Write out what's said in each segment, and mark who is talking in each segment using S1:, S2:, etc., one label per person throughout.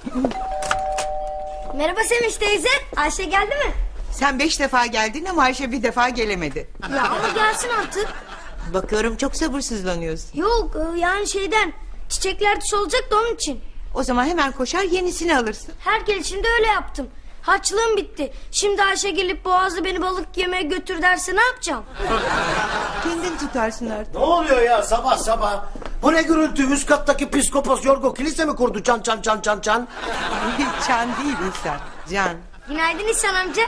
S1: Merhaba Sevinç teyze. Ayşe geldi mi?
S2: Sen 5 defa geldin ama Ayşe bir defa gelemedi.
S1: Ya ama gelsin artık.
S2: Bakıyorum çok sabırsızlanıyorsun.
S1: Yok yani şeyden. Çiçekler solacak da onun için.
S2: O zaman hemen koşar yenisini alırsın.
S1: Her gelişimde öyle yaptım. Harçlığım bitti. Şimdi Ayşe gelip Boğaz'da beni balık yemeye götür derse ne yapacağım?
S2: Kendin tutarsın artık.
S3: Ne oluyor ya sabah sabah? Bu ne gürültü? Üst kattaki psikopos Yorgo kilise mi kurdu? Çan çan çan çan çan.
S2: Çan değil İhsan, Can.
S1: Günaydın İhsan amca.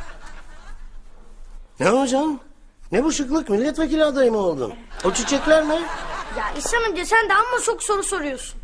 S3: Ne hocam? Ne bu şıklık? Milletvekili adayı mı oldun? O çiçekler ne?
S1: Ya İhsan amca sen de amma çok soru soruyorsun.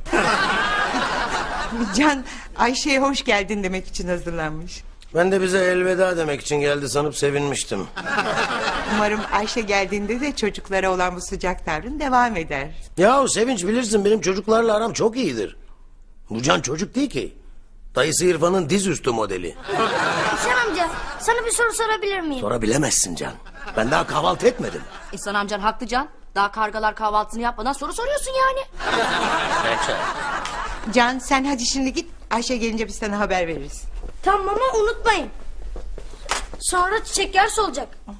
S2: Can Ayşe'ye hoş geldin demek için hazırlanmış.
S3: Ben de bize elveda demek için geldi sanıp sevinmiştim.
S2: Umarım Ayşe geldiğinde de çocuklara olan bu sıcak tavrın devam eder.
S3: Yahu Sevinç bilirsin benim çocuklarla aram çok iyidir. Bu Can çocuk değil ki. Dayısı İrfan'ın dizüstü modeli.
S1: İhsan amca sana bir soru sorabilir miyim?
S3: Sorabilemezsin Can. Ben daha kahvaltı etmedim.
S4: İhsan amcan haklı Can. Daha kargalar kahvaltısını yapmadan soru soruyorsun yani.
S3: Peki.
S2: Can sen hadi şimdi git. Ayşe gelince biz sana haber veririz.
S1: Tamam ama unutmayın. Sonra çiçekler solacak.